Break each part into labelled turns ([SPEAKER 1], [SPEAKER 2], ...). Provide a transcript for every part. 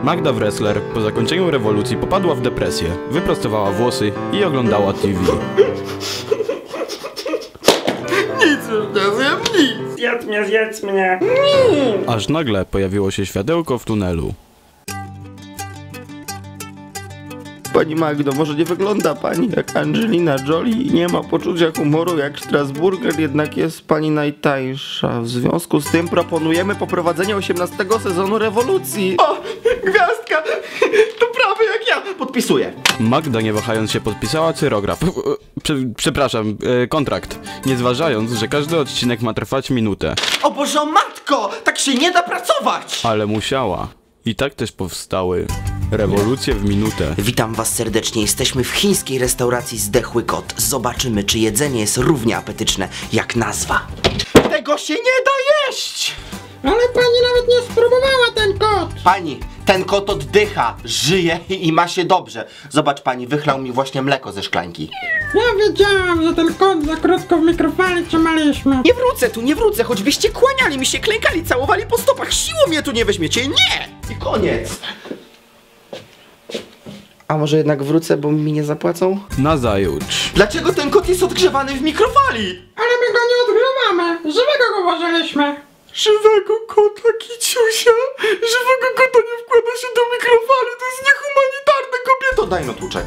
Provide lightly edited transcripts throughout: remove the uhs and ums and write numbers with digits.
[SPEAKER 1] Magda Wrestler po zakończeniu rewolucji popadła w depresję, wyprostowała włosy i oglądała TV.
[SPEAKER 2] Nic już nie zjem, nic!
[SPEAKER 3] Zjedz mnie!
[SPEAKER 1] Aż nagle pojawiło się światełko w tunelu.
[SPEAKER 2] Pani Magdo, może nie wygląda pani jak Angelina Jolie i nie ma poczucia humoru jak Strasburger, jednak jest pani najtańsza. W związku z tym proponujemy poprowadzenie 18 sezonu rewolucji. O, gwiazdka! To prawie jak ja! Podpisuję.
[SPEAKER 1] Magda nie wahając się podpisała cyrograf. Przepraszam, kontrakt. Nie zważając, że każdy odcinek ma trwać minutę.
[SPEAKER 2] O Boże, matko! Tak się nie da pracować!
[SPEAKER 1] Ale musiała. I tak też powstały rewolucje w minutę.
[SPEAKER 4] Witam was serdecznie, jesteśmy w chińskiej restauracji Zdechły Kot. Zobaczymy, czy jedzenie jest równie apetyczne jak nazwa.
[SPEAKER 2] Tego się nie da jeść!
[SPEAKER 3] Ale pani nawet nie spróbowała ten kot!
[SPEAKER 2] Pani, ten kot oddycha, żyje i ma się dobrze. Zobacz pani, wychlał mi właśnie mleko ze szklanki.
[SPEAKER 3] Ja wiedziałam, że ten kot za krótko w mikrofali trzymaliśmy.
[SPEAKER 2] Nie wrócę, choćbyście kłaniali mi się, klękali, całowali po stopach, siłą mnie tu nie weźmiecie, nie! I koniec. A może jednak wrócę, bo mi nie zapłacą?
[SPEAKER 1] Nazajutrz.
[SPEAKER 2] Dlaczego ten kot jest odgrzewany w mikrofali?
[SPEAKER 3] Ale my go nie odgrzewamy! Żywego go włożyliśmy!
[SPEAKER 2] Żywego kota, Kiciusia! Żywego kota nie wkłada się do mikrofali, to jest niehumanitarne, kobieto! Daj no tłuczek.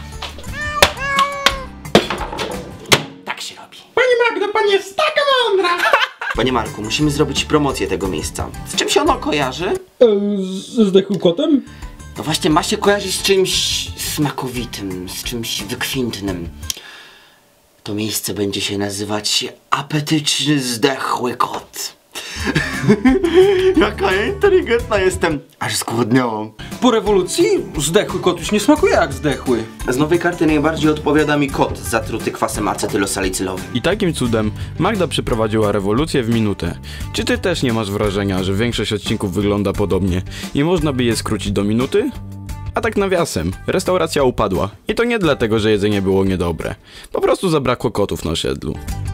[SPEAKER 2] Tak się robi.
[SPEAKER 3] Pani Magdo, pani jest taka mądra!
[SPEAKER 2] Panie Marku, musimy zrobić promocję tego miejsca. Z czym się ono kojarzy?
[SPEAKER 3] Ze Zdechłym Kotem?
[SPEAKER 2] No właśnie, ma się kojarzyć z czymś smakowitym, z czymś wykwintnym. To miejsce będzie się nazywać Apetyczny Zdechły Kot. Jaka ja inteligentna jestem, aż zgłodniałam.
[SPEAKER 5] Po rewolucji zdechły kot już nie smakuje jak zdechły.
[SPEAKER 2] Z nowej karty najbardziej odpowiada mi kot zatruty kwasem acetylosalicylowym.
[SPEAKER 1] I takim cudem Magda przeprowadziła rewolucję w minutę. Czy ty też nie masz wrażenia, że większość odcinków wygląda podobnie i można by je skrócić do minuty? A tak nawiasem, restauracja upadła. I to nie dlatego, że jedzenie było niedobre. Po prostu zabrakło kotów na osiedlu.